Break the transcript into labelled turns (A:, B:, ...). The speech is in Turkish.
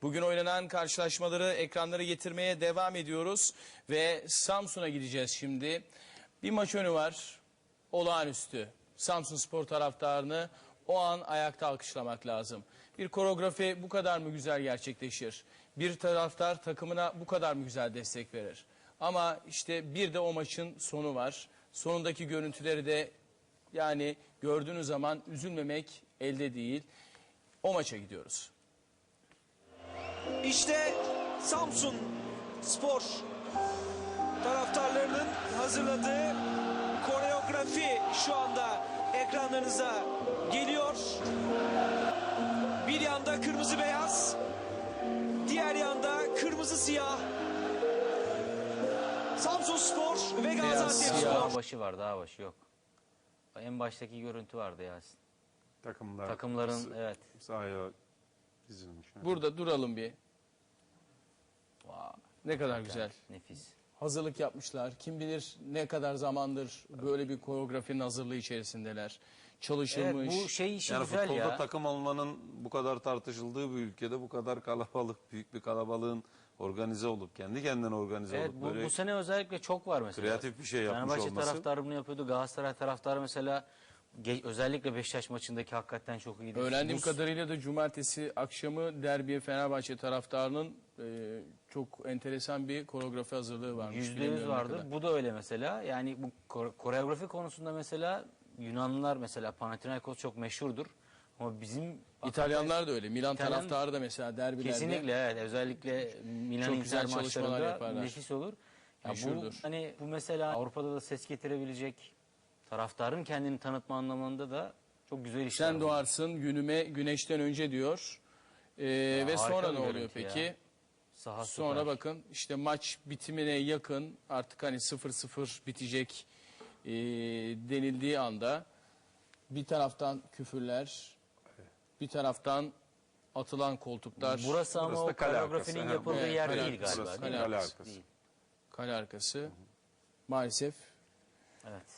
A: Bugün oynanan karşılaşmaları ekranlara getirmeye devam ediyoruz ve Samsun'a gideceğiz şimdi. Bir maç önü var, olağanüstü. Samsunspor taraftarını o an ayakta alkışlamak lazım. Bir koreografi bu kadar mı güzel gerçekleşir? Bir taraftar takımına bu kadar mı güzel destek verir? Ama işte bir de o maçın sonu var. Sonundaki görüntüleri de yani gördüğünüz zaman üzülmemek elde değil. O maça gidiyoruz.
B: İşte Samsun Spor taraftarlarının hazırladığı koreografi şu anda ekranlarınıza geliyor. Bir yanda kırmızı beyaz, diğer yanda kırmızı siyah. Samsun Spor ve Gaziantep
A: siyah.
B: Spor.
C: Dağ başı var, dağ başı yok. En baştaki görüntü vardı Yasin. Takımların evet.
D: Sahaya dizilmiş.
A: Burada duralım bir. Ne kadar güzel.
C: Nefis.
A: Hazırlık yapmışlar. Kim bilir ne kadar zamandır böyle bir koreografinin hazırlığı içerisindeler.
C: Evet,
A: Çalışılmış.
C: bu şey işi
D: Yani
C: güzel
D: futbolda
C: ya.
D: takım olmanın bu kadar tartışıldığı bir ülkede bu kadar kalabalık, büyük bir kalabalığın organize olup, kendi kendine organize
C: Evet,
D: olup
C: bu,
D: böyle
C: bu sene özellikle çok var mesela.
D: kreatif bir şey yapmış
C: Fenerbahçe
D: olması.
C: taraftarı bunu yapıyordu. Galatasaray taraftarı mesela özellikle Beşiktaş maçındaki hakikaten çok iyiydi.
A: Öğrendiğim
C: Bu-
A: kadarıyla da cumartesi akşamı derbiye Fenerbahçe taraftarının çok enteresan bir koreografi hazırlığı varmış.
C: %100
A: Bilemiyorum ne
C: vardı.
A: kadar.
C: Bu da öyle mesela. Yani bu koreografi konusunda mesela Yunanlılar mesela Panathinaikos çok meşhurdur. Ama bizim
A: İtalyanlar da öyle. Milan
C: İtalyan-
A: taraftarı da mesela derbilerde.
C: kesinlikle evet, özellikle Milan
A: Çok güzel
C: Inter
A: çalışmalar
C: maçlarında
A: yaparlar.
C: nefis olur. Ya bu
A: Meşhurdur.
C: hani bu mesela Avrupa'da da ses getirebilecek, taraftarın kendini tanıtma anlamında da çok güzel işler.
A: Sen
C: var.
A: doğarsın günüme güneşten önce diyor. Ve
C: harika
A: sonra
C: bir
A: ne oluyor
C: görüntü
A: peki?
C: ya. Saha
A: Sonra
C: süper.
A: bakın işte maç bitimine yakın artık hani 0-0 bitecek denildiği anda bir taraftan küfürler, bir taraftan atılan koltuklar,
C: Burası ama
D: Burası
C: o
D: da kale
C: koreografinin
D: arkası.
C: yapıldığı
A: Evet,
C: yer
A: kale
C: değil
A: arkası.
C: galiba.
D: Burası
C: değil mi?
D: kale
A: arkası.
D: arkası.
C: Değil.
A: kale arkası. Maalesef
C: Evet.